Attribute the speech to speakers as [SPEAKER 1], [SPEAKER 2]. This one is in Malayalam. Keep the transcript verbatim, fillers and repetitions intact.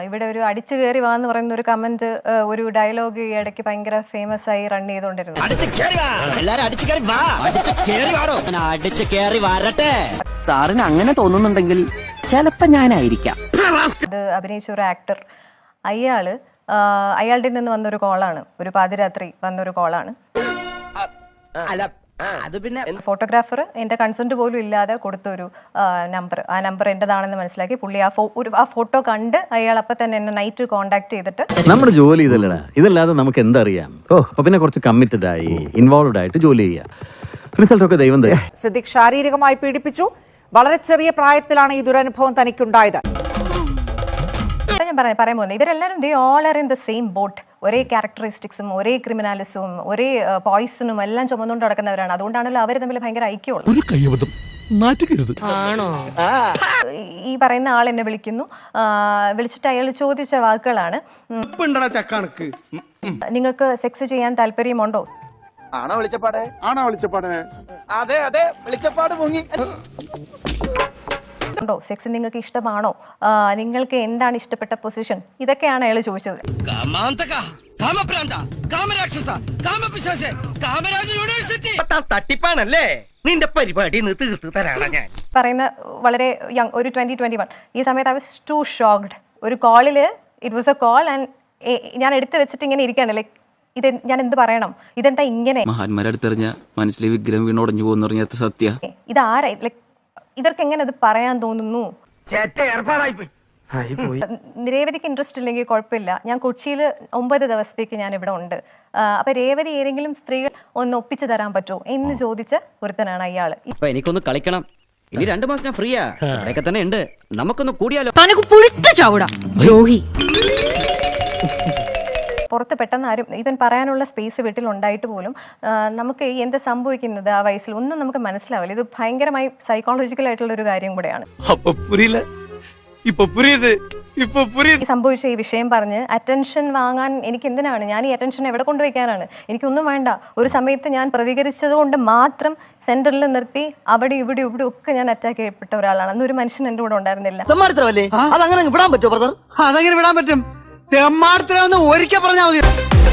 [SPEAKER 1] ഇവിടെ ഒരു അടിച്ചു കയറി വാന്ന് പറയുന്ന ഒരു കമന്റ്, ഒരു ഡയലോഗ് ഈ ഇടയ്ക്ക് ഭയങ്കര ഫേമസ് ആയി റൺ ചെയ്തോണ്ടിരുന്നു.
[SPEAKER 2] സാറിന് അങ്ങനെ തോന്നുന്നുണ്ടെങ്കിൽ ചിലപ്പോ ഞാനായിരിക്കാം.
[SPEAKER 1] അത് അഭിനയിച്ച ഒരു ആക്ടർ, അയാള് അയാളുടെ നിന്ന് വന്നൊരു കോളാണ്, ഒരു പാതിരാത്രി വന്നൊരു കോളാണ്.
[SPEAKER 2] അത് പിന്നെ
[SPEAKER 1] ഫോട്ടോഗ്രാഫർ എന്റെ കൺസെന്റ് പോലും ഇല്ലാതെ കൊടുത്തൊരു നമ്പർ, ആ നമ്പർ എന്റേതാണെന്ന് മനസ്സിലാക്കി പുള്ളി ആ ഒരു ആ ഫോട്ടോ കണ്ട് അയാൾ അപ്പൊ തന്നെ എന്നെ നൈറ്റ് കോണ്ടാക്ട് ചെയ്തിട്ട്,
[SPEAKER 3] നമ്മുടെ ജോലി ഇതല്ലടാ, ഇതല്ലാതെ നമുക്ക് എന്തറിയാം. ഓ അപ്പൊ പിന്നെ കുറച്ച് കമ്മിറ്റഡ് ആയി ഇൻവോൾവ്ഡ് ആയിട്ട് ജോലി ചെയ്യാം. റിസൾട്ട് ഒക്കെ ദൈവം തരും.
[SPEAKER 4] സിദ്ദിഖ് ശാരീരികമായി പീഡിപ്പിച്ചു. വളരെ ചെറിയ പ്രായത്തിലാണ് ഈ ദുരനുഭവം തനിക്കുണ്ടായത്.
[SPEAKER 1] ഞാൻ പറയാൻ പറയാൻ പോകുന്നത് ഇവരെല്ലാവരും they all are in the same boat. ഒരേ ക്യാരക്ടറിസ്റ്റിക്സും ഒരേ ക്രിമിനാലിസവും ഒരേ പോയിസണും എല്ലാം ചുമന്നുകൊണ്ട് നടക്കുന്നവരാണ്. അതുകൊണ്ടാണല്ലോ അവർ തമ്മിൽ ഭയങ്കര ഐക്യമുള്ളത്. ഈ പറയുന്ന ആൾ എന്നെ വിളിക്കുന്നു, വിളിച്ചിട്ട് അയാൾ ചോദിച്ച വാക്കുകളാണ്, നിങ്ങൾക്ക് സെക്സ് ചെയ്യാൻ താല്പര്യമുണ്ടോ?
[SPEAKER 5] ആണോ വിളിച്ചപ്പാടെ? ആണോ വിളിച്ചപ്പാടെ? അതെ അതെ വിളിച്ചപ്പാട് മുങ്ങി.
[SPEAKER 1] ോ സെക്സ് നിങ്ങൾക്ക് ഇഷ്ടമാണോ? നിങ്ങൾക്ക് എന്താണ് ഇഷ്ടപ്പെട്ട പൊസിഷൻ? ഇതൊക്കെയാണ് അയാൾ ചോദിച്ചത്.
[SPEAKER 5] തട്ടിപ്പാണല്ലേ നിന്റെ പരിപാടി തീർത്ത് തരാണ് ഞാൻ
[SPEAKER 1] പറയുന്ന വളരെ യങ്, ഒരു ട്വന്റി ട്വന്റി വൺ ഈ സമയത്ത് ഐ വാസ് ടു ഷോക്ക്ഡ്. ഒരു കോളില് it was a call and ഞാൻ എടുത്തു വെച്ചിട്ട് ഇങ്ങനെ ഇരിക്കുകയാണ്. ലൈക്ക് ഇത് ഞാൻ എന്ത് പറയണം, ഇതെന്താ ഇങ്ങനെ?
[SPEAKER 6] മഹാന്മാരടുത്തെറിഞ്ഞ മനസ്സിലെ വിഗ്രഹം വീണുടഞ്ഞു പോകുന്ന പറഞ്ഞ സത്യ
[SPEAKER 1] ഇതാരാ? ലൈക്ക് ഇവർക്ക് എങ്ങനെ അത് പറയാൻ തോന്നുന്നു? രേവതിക്ക് ഇൻട്രസ്റ്റ് ഇല്ലെങ്കിൽ കുഴപ്പമില്ല, ഞാൻ കൊച്ചിയിൽ ഒമ്പത് ദിവസത്തേക്ക് ഞാൻ ഇവിടെ ഉണ്ട്. അപ്പൊ രേവതി ഏതെങ്കിലും സ്ത്രീകൾ ഒന്ന് ഒപ്പിച്ചു തരാൻ പറ്റുമോ എന്ന് ചോദിച്ച ഒരുത്തനാണ് അയാള്.
[SPEAKER 2] എനിക്കൊന്ന് കളിക്കണം, ഇനി രണ്ടു മാസം ഞാൻ ഫ്രീയാ, ഇവിടെയൊക്കെ തന്നെ ഉണ്ട്, നമുക്കൊന്ന് കൂടിയാലോ.
[SPEAKER 1] പുറത്ത് പെട്ടെന്ന് ആരും ഇവൻ പറയാനുള്ള സ്പേസ് വീട്ടിലുണ്ടായിട്ട് പോലും നമുക്ക് എന്താ സംഭവിക്കുന്നത് ആ വയസ്സിൽ ഒന്നും നമുക്ക് മനസ്സിലാവില്ല. ഇത് ഭയങ്കരമായി സൈക്കോളജിക്കൽ ആയിട്ടുള്ള ഒരു കാര്യം കൂടെയാണ്. സംഭവിച്ച ഈ വിഷയം പറഞ്ഞ് അറ്റൻഷൻ വാങ്ങാൻ എനിക്ക് എന്തിനാണ്? ഞാൻ ഈ അറ്റൻഷൻ എവിടെ കൊണ്ടുവയ്ക്കാനാണ്? എനിക്കൊന്നും വേണ്ട. ഒരു സമയത്ത് ഞാൻ പ്രതികരിച്ചത് കൊണ്ട് മാത്രം സെന്ററിൽ നിർത്തി അവിടെ ഇവിടെ ഇവിടെ ഒക്കെ ഞാൻ അറ്റാക്ക് ചെയ്യപ്പെട്ട ഒരാളാണ്. അന്നൊരു മനുഷ്യൻ എന്റെ കൂടെ ഉണ്ടായിരുന്നില്ല.
[SPEAKER 5] അതങ്ങനെ വിടാൻ പറ്റുമോ ബ്രദർ? അതങ്ങനെ വിടാൻ പറ്റും. തെമ്മാടത്തിലൊന്ന് ഒരിക്കൽ പറഞ്ഞാൽ മതി.